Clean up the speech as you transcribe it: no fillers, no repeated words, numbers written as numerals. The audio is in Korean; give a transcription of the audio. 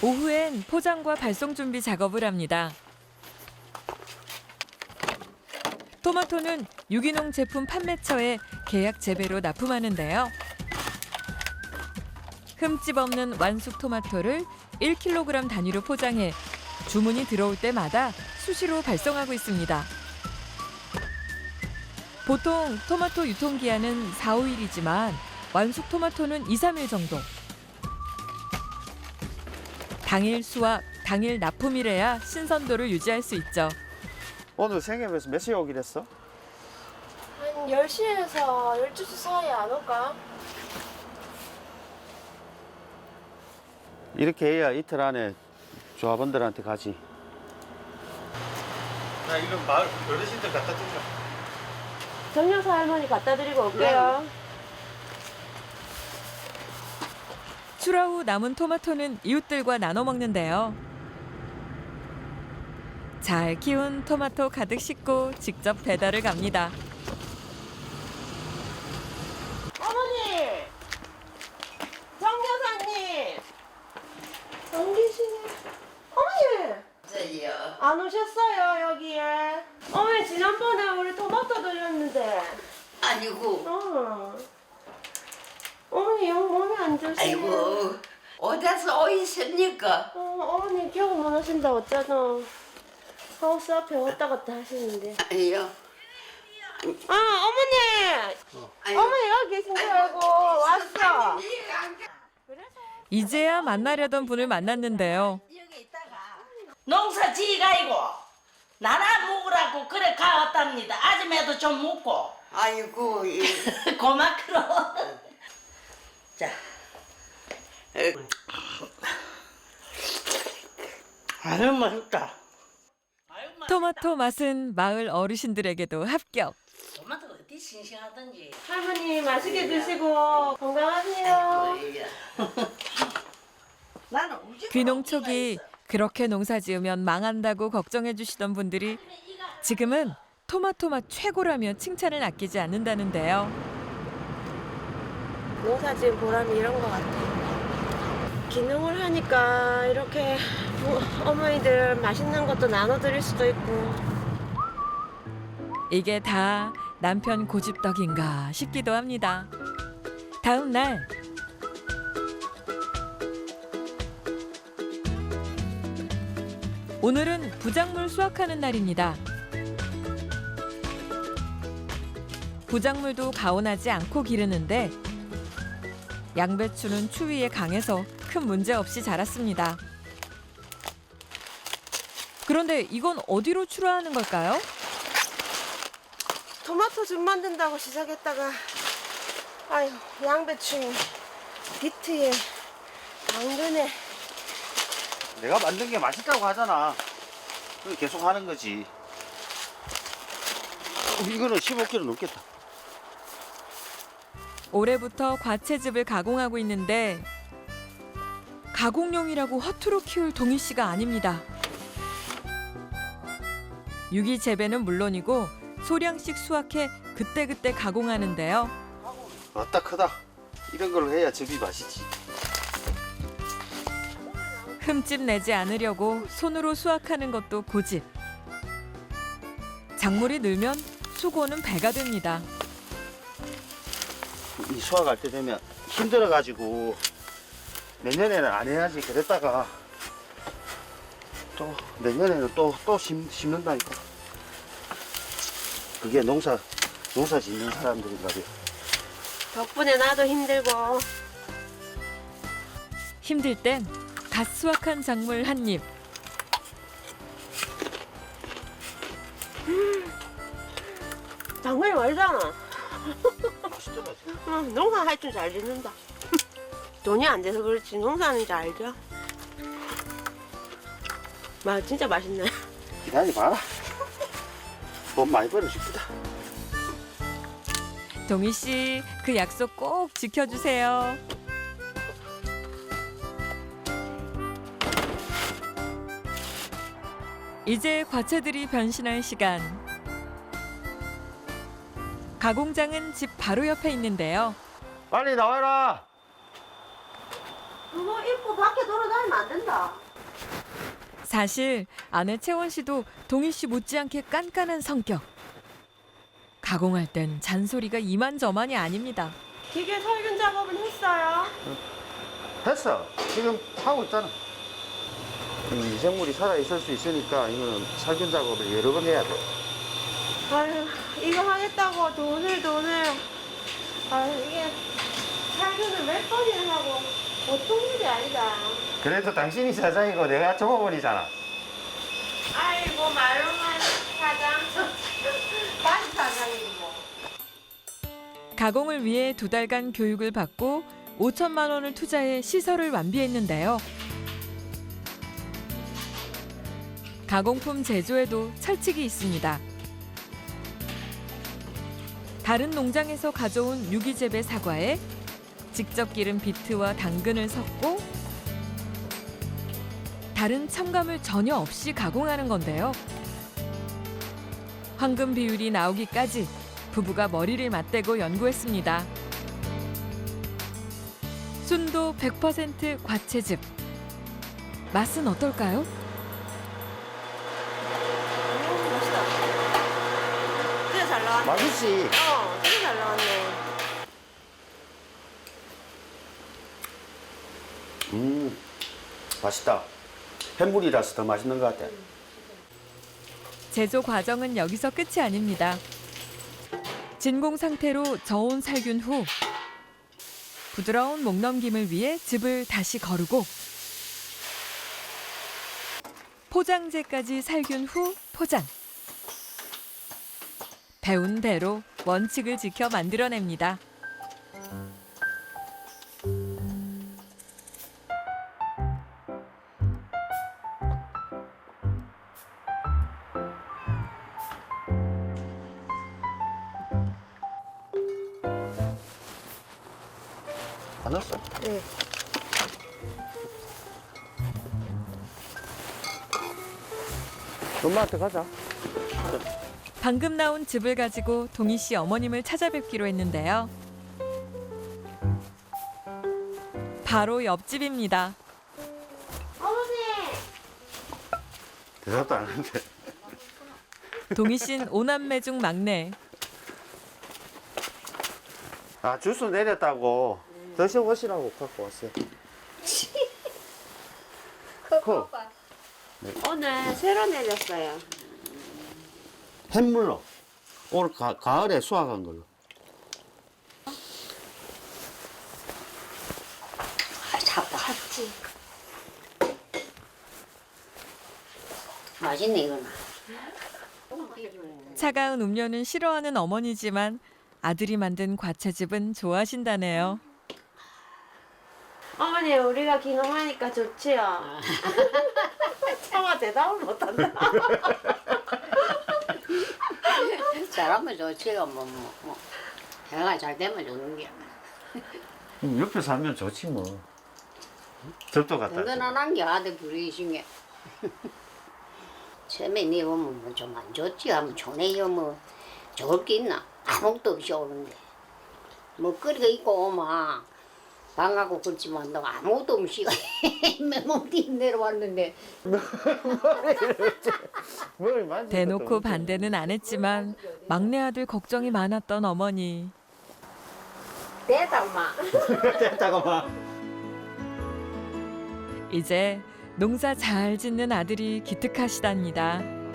오후엔 포장과 발송 준비 작업을 합니다. 토마토는 유기농 제품 판매처에 계약 재배로 납품하는데요. 흠집 없는 완숙 토마토를 1kg 단위로 포장해 주문이 들어올 때마다 수시로 발송하고 있습니다. 보통 토마토 유통기한은 4, 5일이지만 완숙 토마토는 2, 3일 정도. 당일 수확, 당일 납품이래야 신선도를 유지할 수 있죠. 오늘 생협에서 몇 시에 오기로 했어? 한 10시에서 12시 사이에 안 올까? 이렇게 해야 이틀 안에 조합원들한테 가지. 나 이런 마을 어르신들 갖다 주자. 정여사 할머니 갖다 드리고 올게요. 출하 후 남은 토마토는 이웃들과 나눠 먹는데요. 잘 키운 토마토 가득 싣고 직접 배달을 갑니다. 어머니! 정여사님! 안 계시네. 어머니! 저요. 안 오셨어요, 여기에. 어머니, 지난번에 우리 토마토 드렸는데. 아니고. 어머니, 영 몸이 안 좋으시네. 아이고. 어디서 오셨습니까? 어머니 기억 못 하신다 어쩌노. 하우스 앞에 왔다 갔다 하시는데. 아니요. 어머니! 아이고. 어머니 여기 계신 줄 알고 왔어. 이제야 만나려던 분을 만났는데요. 농사 지가이고 나라 먹으라고 그래 가왔답니다. 아줌마도 좀 먹고 아이고. 예. 고마크로. 자, 아유 맛있다. 토마토 맛은 마을 어르신들에게도 합격. 토마토 어디 싱싱하던지. 할머니 맛있게 드시고 건강하세요. 나는 우지. 귀농 초기 그렇게 농사 지으면 망한다고 걱정해 주시던 분들이 지금은 토마토 맛 최고라며 칭찬을 아끼지 않는다는데요. 농사 지은 보람이 이런 것 같아요. 기능을 하니까 이렇게 어머니들 맛있는 것도 나눠드릴 수도 있고. 이게 다 남편 고집덕인가 싶기도 합니다. 다음 날 오늘은 부작물 수확하는 날입니다. 부작물도 가온하지 않고 기르는데 양배추는 추위에 강해서 큰 문제 없이 자랐습니다. 그런데 이건 어디로 출하하는 걸까요? 토마토즙 만든다고 시작했다가 아유 양배추에 비트에 당근에 내가 만든 게 맛있다고 하잖아. 그걸 계속 하는 거지. 이거는 15kg 넘겠다. 올해부터 과채즙을 가공하고 있는데 가공용이라고 허투루 키울 동희 씨가 아닙니다. 유기 재배는 물론이고 소량씩 수확해 그때그때 가공하는데요. 왔다 크다. 이런 걸 해야 즙이 맛있지. 흠집 내지 않으려고 손으로 수확하는 것도 고집. 작물이 늘면 수고는 배가 됩니다. 이 수확할 때 되면 힘들어가지고 내년에는 안 해야지. 그랬다가 또 내년에는 또 심는다니까. 그게 농사 짓는 사람들인가 봐요. 덕분에 나도 힘들고 힘들 땐 갓 수확한 작물 한 입. 당근이 말잖아. 맛있더라. 응, 농사 할 줄 잘 짓는다. 돈이 안 돼서 그렇지 농사하는지 알죠? 진짜 맛있네. 기다려봐라. 돈 많이 벌어줍니다. 동희 씨, 그 약속 꼭 지켜주세요. 이제 과채들이 변신할 시간. 가공장은 집 바로 옆에 있는데요. 빨리 나와라. 그거 입고 밖에 돌아다니면 안 된다. 사실 아내 채원 씨도 동희 씨 못지않게 깐깐한 성격. 가공할 땐 잔소리가 이만저만이 아닙니다. 기계 살균 작업은 했어요? 됐어. 지금 하고 있잖아. 이 미생물이 살아있을 수 있으니까 이거는 살균 작업을 여러 번 해야 돼. 아유, 이거 하겠다고 돈을. 아유, 이게 살균을 몇 번이나 하고 보통 일이 아니다. 그래도 당신이 사장이고 내가 종업원이잖아. 아이고, 말로만 사장. 많이 사장이고. 가공을 위해 2달간 교육을 받고 5천만 원을 투자해 시설을 완비했는데요. 가공품 제조에도 철칙이 있습니다. 다른 농장에서 가져온 유기재배 사과에 직접 기른 비트와 당근을 섞고 다른 첨가물 전혀 없이 가공하는 건데요. 황금 비율이 나오기까지 부부가 머리를 맞대고 연구했습니다. 순도 100% 과채즙. 맛은 어떨까요? 맛있다. 진짜 잘 나왔네. 맛있지? 진짜 잘 나왔네. 맛있다. 햇물이라서 더 맛있는 것 같아. 제조 과정은 여기서 끝이 아닙니다. 진공 상태로 저온 살균 후 부드러운 목넘김을 위해 즙을 다시 거르고 포장재까지 살균 후 포장. 배운 대로 원칙을 지켜 만들어냅니다. 안 넣었어? 네. 엄마한테 가자. 방금 나온 즙을 가지고 동희 씨 어머님을 찾아뵙기로 했는데요. 바로 옆집입니다. 어머니! 대답도 안 하는데. 동희 씨는 5남매 중 막내. 아, 주스 내렸다고. 드셔보시라고 갖고 왔어요. 그 오늘 새로 내렸어요. 햇물로. 오늘 가을에 수확한 걸로. 같이. 맛있네 이거는. 차가운 음료는 싫어하는 어머니지만 아들이 만든 과채즙은 좋아하신다네요. 어머니, 우리가 기농하니까 좋지요? 차마 대답을 못한다. 잘하면 좋지요. 뭐. 해가 잘 되면 좋은 게. 옆에 살면 좋지 뭐. 접도 갖다 줘. 든든한 게 아들 부르신 게. 처음에 니 오면 뭐 좀 안 좋지 하면 좋네요. 뭐 좋을 게 있나? 아무것도 없이 오는데. 먹거리가 있고 오면 방하고 그렇지만 너 아무것도 없이 맨몸 뛰 내려왔는데. 대놓고 반대는 안 했지만 막내 아들 걱정이 많았던 어머니. 됐다, 엄마. 잠깐만. 이제 농사 잘 짓는 아들이 기특하시답니다.